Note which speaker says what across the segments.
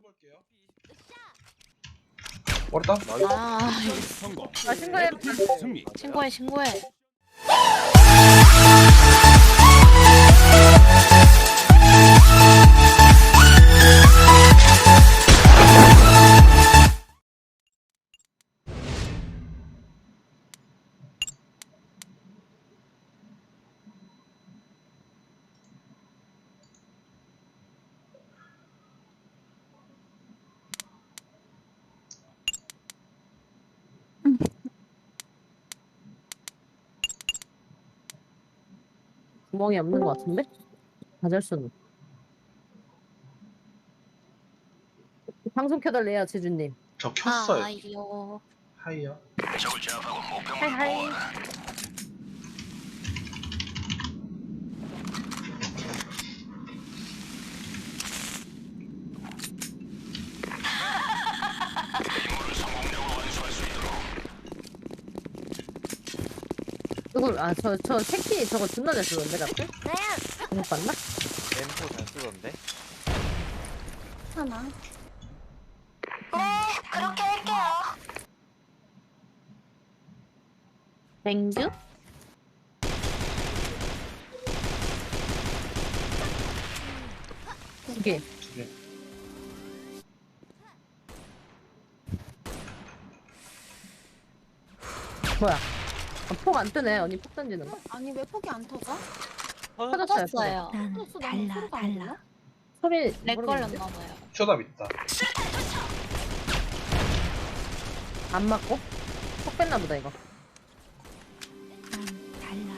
Speaker 1: 머리다.
Speaker 2: 아,
Speaker 3: 성공.
Speaker 4: 신고해.
Speaker 3: 승리.
Speaker 2: 신고해.
Speaker 4: 구멍이 없는 것 같은데? 가절수는. 방송 켜달래요, 재준님.
Speaker 1: 저 켰어요.
Speaker 2: 아이요.
Speaker 1: 하이요.
Speaker 4: 하이하이. 이걸 저 새끼 저거 존나 잘 쓰던데 자꾸? 못 봤나?
Speaker 5: M4 잘 쓰던데?
Speaker 2: 하나.
Speaker 6: 그렇게 할게요.
Speaker 2: 맹주?
Speaker 4: 두 개. 뭐야? 폭 안 뜨네. 언니 폭 던지는 거?
Speaker 6: 아니 왜 폭이 안 터져?
Speaker 4: 터졌어요.
Speaker 2: 터졌어요.
Speaker 6: 달라.
Speaker 4: 소리
Speaker 2: 렉
Speaker 4: 모르겠는데?
Speaker 2: 걸렸나봐요.
Speaker 1: 쇼답 있다.
Speaker 4: 안 맞고? 폭 뺐나 보다 이거.
Speaker 6: 달라.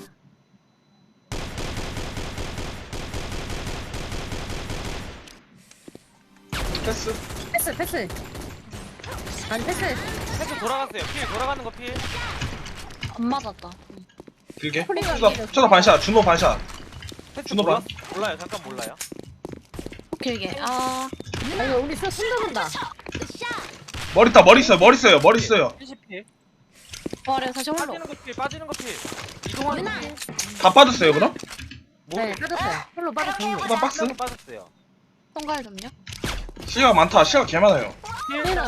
Speaker 1: 패스.
Speaker 4: 패스. 아니 패스.
Speaker 5: 패스 돌아갔어요. 필 돌아가는 거 필.
Speaker 2: 안 맞았다.
Speaker 1: 길게.
Speaker 4: 폴링가
Speaker 1: 쇼답 반샷. 준호 반샷.
Speaker 5: 패스
Speaker 1: 준호 반.
Speaker 5: 몰라요. 잠깐 몰라요.
Speaker 2: 길게. 아,
Speaker 4: 아니 우리 슛 손잡은다.
Speaker 1: 머리타. 머리 있어요. 머리 있어요.
Speaker 5: 70필.
Speaker 2: 부활해 다시 홀로.
Speaker 5: 빠지는 거 필. 이동하는 거 필.
Speaker 1: 다 빠졌어요 그럼?
Speaker 4: 네 빠졌어요. 홀로 빠졌어요.
Speaker 1: 쇼답 박스.
Speaker 5: 하나도 빠졌어요.
Speaker 2: 통갈 좀요.
Speaker 1: 시야가 많다. 시야가 개 많아요.
Speaker 4: 필은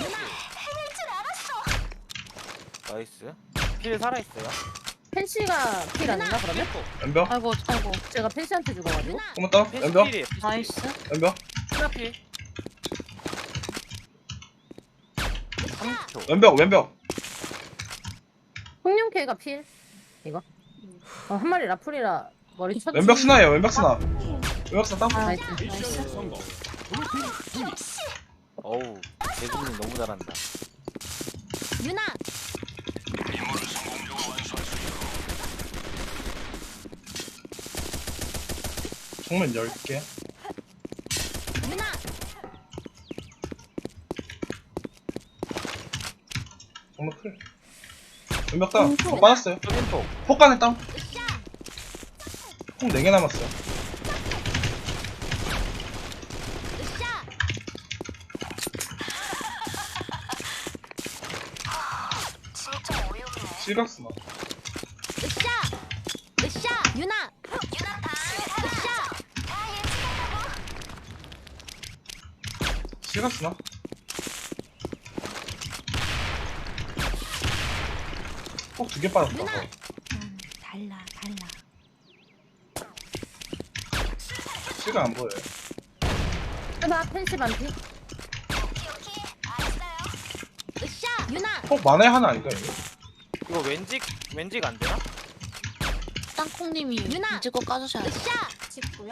Speaker 5: 나이스. 필 살아있어요.
Speaker 4: 펜시가 필 아닌가 그러면?
Speaker 1: 왼벽.
Speaker 2: 아이고.
Speaker 4: 제가 펜시한테 죽어가지고.
Speaker 1: 고맙다.
Speaker 5: 패스
Speaker 1: 왼벽.
Speaker 5: 필이에요.
Speaker 2: 나이스.
Speaker 1: 왼벽.
Speaker 5: 하나 필. 30초.
Speaker 1: 왼벽.
Speaker 4: 홍룡캐가 필. 이거. 한 마리 라풀이라 머리 쳤지.
Speaker 1: 왼벽 스나예요. 왼벽 스나 땅.
Speaker 4: 나이스.
Speaker 3: 미션 성공. 블루팀 승리.
Speaker 5: 어우, 재준이 너무 잘한다.
Speaker 6: 유나.
Speaker 1: 정면 10개.
Speaker 6: 유나.
Speaker 1: 정면 클. 왼벽 땅. 더 빠졌어요.
Speaker 5: 왼쪽.
Speaker 1: 폭간에 땅. 폭 4개 남았어요.
Speaker 6: 진짜 어이없네.
Speaker 1: 실각 스나.
Speaker 6: 으쌰. 유나. 유나 다. 으쌰.
Speaker 1: 실각 스나. 폭 2개 빠졌다.
Speaker 6: 달라.
Speaker 1: 실각 안 보여요.
Speaker 4: 나 펜시 반피.
Speaker 6: 오케이. 알았어요. 으쌰. 유나.
Speaker 1: 폭 만에 하나 아닌가 이거?
Speaker 5: 이거 왠직 안 되나?
Speaker 2: 땅콩님이
Speaker 6: 유나!
Speaker 2: 이지고 까주셔야 돼.
Speaker 6: 으쌰. 직구요?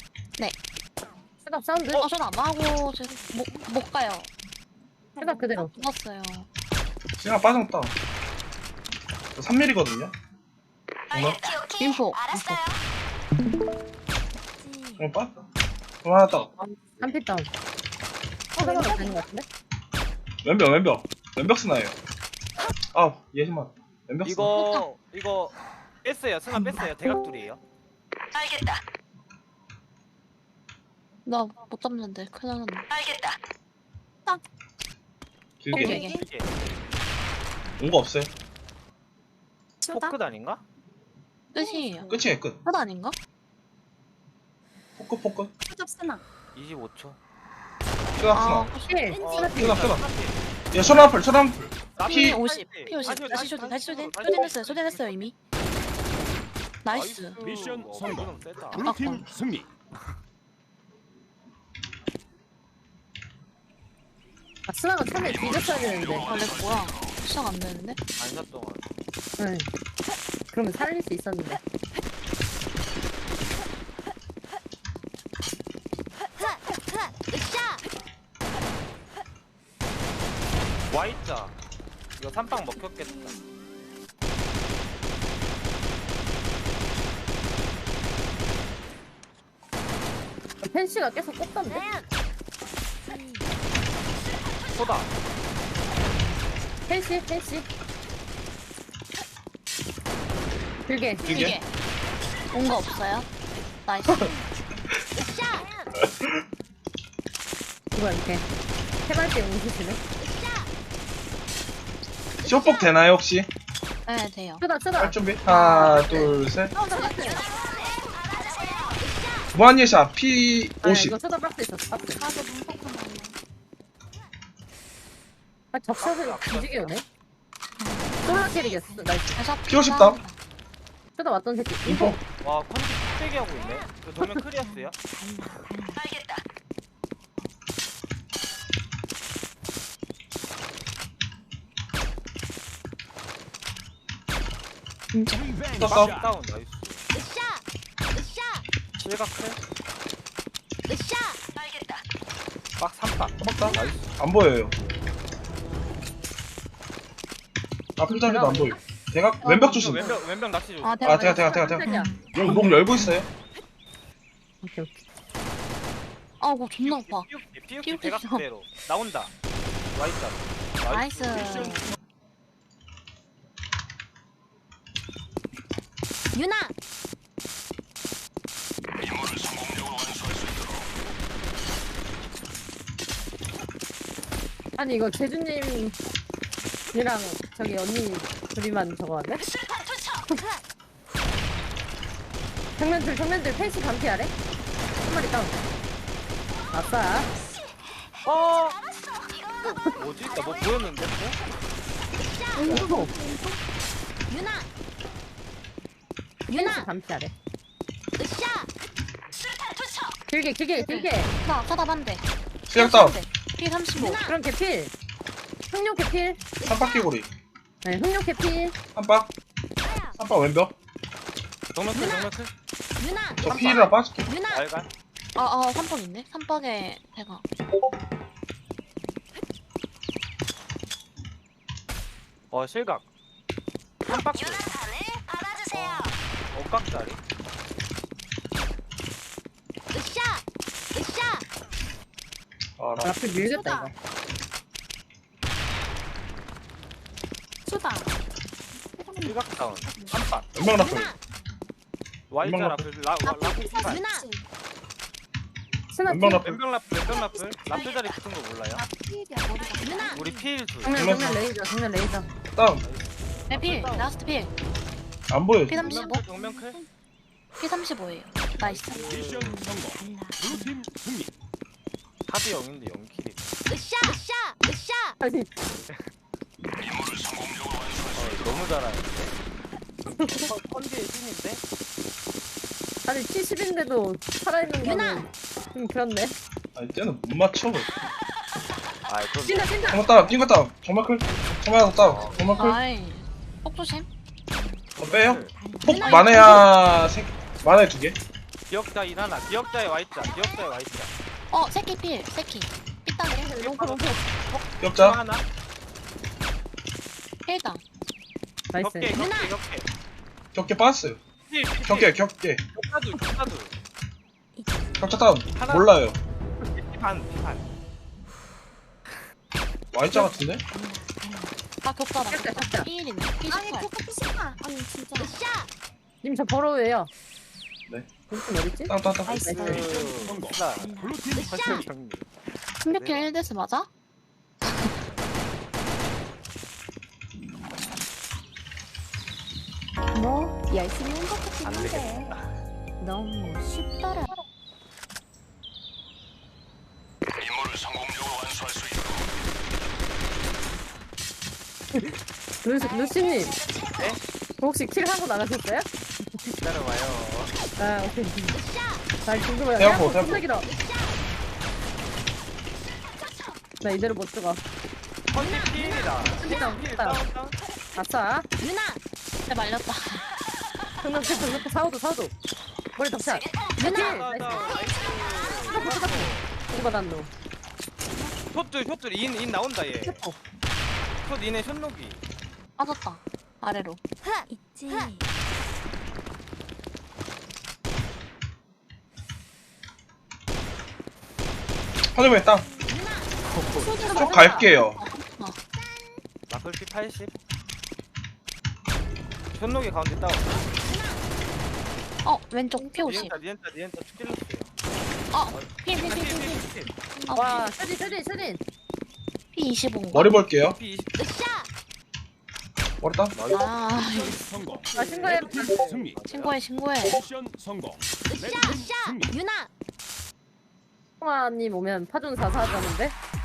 Speaker 4: 셋업 사운드.
Speaker 2: 전안 하고 못 가요.
Speaker 4: 셋업 그대로.
Speaker 2: 죽었어요.
Speaker 1: 실각 빠졌다. 3mm거든요. 정말?
Speaker 6: 오케이.
Speaker 2: 인포.
Speaker 6: 알았어요.
Speaker 1: 정말 빠졌다. 그럼 하나 딱.
Speaker 4: 한피 다운. 셋업 되는 것 같은데?
Speaker 1: 왼벽 스나예요. 예심만. 왼벽 스나.
Speaker 5: 이거 뺐어요. 스나 뺐어요. 대각둘이에요.
Speaker 6: 알겠다.
Speaker 2: 나 못 잡는데 큰일 났네.
Speaker 6: 알겠다.
Speaker 1: 길게.
Speaker 2: 길게.
Speaker 5: 이게
Speaker 1: 온 거 없어요.
Speaker 5: 포크 아닌가?
Speaker 2: 끝이에요.
Speaker 1: 끝이에요 끝.
Speaker 2: 끝 아닌가?
Speaker 1: 포크.
Speaker 6: 수접 쓰나.
Speaker 5: 25초.
Speaker 1: 쓰나
Speaker 2: 아,
Speaker 1: 쓰나.
Speaker 4: 필. 스나 필.
Speaker 1: 쓰나 쓰나. 얘 쇼라플 쇼라플.
Speaker 2: 피
Speaker 1: 피
Speaker 2: 50, 피 50. 다시 쇼딘, 다시 쇼딘. 쇼딘했어요, 쇼딘했어요 이미. 나이스.
Speaker 3: 미션 성공.
Speaker 5: 이건 세다.
Speaker 3: 블루팀 승리.
Speaker 4: 아, 스나가 처음에 뒤졌어야 되는데.
Speaker 2: 아, 렉 뭐야? 시작 안 되는데?
Speaker 5: 반샷 동안.
Speaker 4: 응. 그러면 살릴 수 있었는데.
Speaker 6: 으쌰.
Speaker 5: Y자. 이거 3빵 먹혔겠다.
Speaker 4: 펜시가 계속 꼽던데.
Speaker 5: 소다.
Speaker 4: 펜시. 길게.
Speaker 1: 길게.
Speaker 2: 온 거 없어요? 나이스.
Speaker 4: 누가 이렇게 해발대 용수시네.
Speaker 1: 쇼폭 되나요 혹시?
Speaker 2: 네, 돼요.
Speaker 4: 쓰다.
Speaker 1: 할 준비. 하나 둘 셋. 무한 예샷 P
Speaker 4: 아,
Speaker 1: 50.
Speaker 4: 이거 쓰다 박스 있었어. 박스.
Speaker 2: 가서 문폭 하나.
Speaker 4: 아, 접샷을 뒤지게 오네. 솔라 캐리겠어. 나이스.
Speaker 1: 피 50 다운.
Speaker 4: 쓰다 왔던 새끼.
Speaker 1: 인포.
Speaker 5: 와 컨디 뚝배기 하고 있네. 그 도면 크리어스야?
Speaker 1: 떴어.
Speaker 5: 다운 나이스.
Speaker 6: 으쌰.
Speaker 5: 실각 클.
Speaker 6: 으쌰.
Speaker 5: 막 3박.
Speaker 1: 잡았다. 나이스. 안 보여요. 앞을 자리도 안 보여. 대각 왼벽 조심.
Speaker 5: 왼벽 낚시 줘.
Speaker 2: 아,
Speaker 1: 아 대각. 여기 목 열고 있어요.
Speaker 4: 오케이.
Speaker 2: 아이고, 존나 아파.
Speaker 5: 피우키 대각 그대로 나온다. Y자.
Speaker 2: 나이스.
Speaker 6: 유나.
Speaker 4: 아니 이거 재준님이랑 저기 언니 둘이만 저거 왔네? 정면들 펜시 반피 아래? 한 마리 다운. 아싸.
Speaker 5: 어. 뭐지? 나 뭐 보였는데?
Speaker 4: 오,
Speaker 6: 유나.
Speaker 4: 펜시
Speaker 6: 유나.
Speaker 4: 반피 아래.
Speaker 6: 으쌰.
Speaker 4: 길게.
Speaker 2: 사다 반대.
Speaker 1: 시작 다운.
Speaker 2: 피 35.
Speaker 4: 그럼 개필. 흑룡 개필.
Speaker 1: 삼박기 고리.
Speaker 4: 네, 흑룡 개필.
Speaker 1: 한박. 한박 왼벽.
Speaker 5: 정면 클.
Speaker 6: 유나.
Speaker 1: 저 피이라 빠질게.
Speaker 6: 유나.
Speaker 5: 알간.
Speaker 2: 아, 3번 있네. 3번에 대가.
Speaker 5: 실각. 3박.
Speaker 6: 알아주세요.
Speaker 5: 억각짜리.
Speaker 6: 으쌰.
Speaker 1: 아,
Speaker 4: 앞에 밀겠다 이거.
Speaker 2: 수다.
Speaker 5: 실각 다운. 3박.
Speaker 1: 왼벽 라플.
Speaker 5: Y자 라플. 라플 피반.
Speaker 6: 유나.
Speaker 4: 스나
Speaker 1: 왼벽
Speaker 4: 필.
Speaker 1: 라플.
Speaker 5: 왼벽 라플. 라플 자리 붙은 거 몰라요?
Speaker 6: 유나.
Speaker 5: 우리 필 둘.
Speaker 4: 정면 레이저.
Speaker 1: 다운.
Speaker 2: 네, 필. 라스트 필.
Speaker 1: 안 보여.
Speaker 2: 피 35.
Speaker 5: 정면 클.
Speaker 2: 피 35예요. 나이스.
Speaker 3: 미션 성공. 블루팀 승리.
Speaker 5: 하드 0인데 0킬이.
Speaker 6: 으쌰.
Speaker 4: 아니
Speaker 5: 너무 잘하는데. 컨디의 신인데?
Speaker 4: 아니 70인데도 살아있는 거는 좀 그렇네.
Speaker 1: 아니 쟤는 못 맞춰.
Speaker 5: 아, 또
Speaker 4: 찐다.
Speaker 1: 정말 다운. 뛴거 다운. 정말 클. 정말 다운. 정말 클.
Speaker 2: 아이. 폭 조심.
Speaker 1: 더 빼요. 폭 만해야 만해 두 개.
Speaker 5: 기억자 인 하나. 기억자의 Y자.
Speaker 2: 새끼 필. 새끼. 삐딱해.
Speaker 4: 롱포.
Speaker 1: 격자.
Speaker 5: 하나.
Speaker 2: 필당.
Speaker 4: 나이스.
Speaker 5: 격게.
Speaker 1: 격게 빠졌어요. 격게.
Speaker 5: 격자도.
Speaker 1: 격자 다운.
Speaker 5: 하나.
Speaker 1: 몰라요.
Speaker 5: 피반.
Speaker 1: Y자 같은데?
Speaker 2: 아, 격자다.
Speaker 4: 격자, 격자.
Speaker 2: 필이네. 피 18.
Speaker 6: 아니 진짜. 으쌰.
Speaker 4: 님 저 버러우예요.
Speaker 1: 네.
Speaker 4: 무슨 어딨지?
Speaker 1: 다운.
Speaker 4: 나이스.
Speaker 3: 성공.
Speaker 5: 나.
Speaker 3: 블루팀
Speaker 5: 설정 정리.
Speaker 2: 16킬 1데스 맞아?
Speaker 6: 뭐 열심히 한 것 같긴
Speaker 5: 안
Speaker 6: 한데
Speaker 5: 되겠다.
Speaker 6: 너무 쉽더라.
Speaker 4: 루시님.
Speaker 5: 네?
Speaker 4: 혹시 킬 하고 나가셨어요?
Speaker 5: 기다려봐요.
Speaker 4: 아, 오케이. 나 궁금해요.
Speaker 1: 태양포,
Speaker 4: 태양포
Speaker 1: 태양포.
Speaker 4: 길어. 나 이대로 못 들어가.
Speaker 5: 컨디 필이다.
Speaker 4: 일단,
Speaker 5: 필
Speaker 4: 일단.
Speaker 5: 다운.
Speaker 4: 아싸.
Speaker 6: 누나
Speaker 2: 내 말렸다.
Speaker 4: 정답, 사오도. 머리 덕샷.
Speaker 6: 누나
Speaker 5: 다운, 다운. 나이스.
Speaker 4: 누가 난노.
Speaker 5: 숏들 인 나온다 얘.
Speaker 4: 어,
Speaker 5: 숏 인의 숏록이.
Speaker 2: 빠졌다. 아래로.
Speaker 6: 있지
Speaker 1: 하늘에 땅. 쪽 갈게요.
Speaker 5: 마클피 80. 숏록이 가운데 다운.
Speaker 2: 왼쪽 P50.
Speaker 5: 니엔타 쭉 찔렀어요.
Speaker 2: P
Speaker 4: 와, 슈딘.
Speaker 2: P25.
Speaker 1: 머리 볼게요.
Speaker 5: P20.
Speaker 1: 머리 땅.
Speaker 3: 미션 성공.
Speaker 4: 아, 신고해.
Speaker 3: 승리.
Speaker 2: 신고해.
Speaker 3: 미션 성공. 레드팀 승리.
Speaker 6: 유나
Speaker 4: 홍아님 오면 파존 4사 하자는데?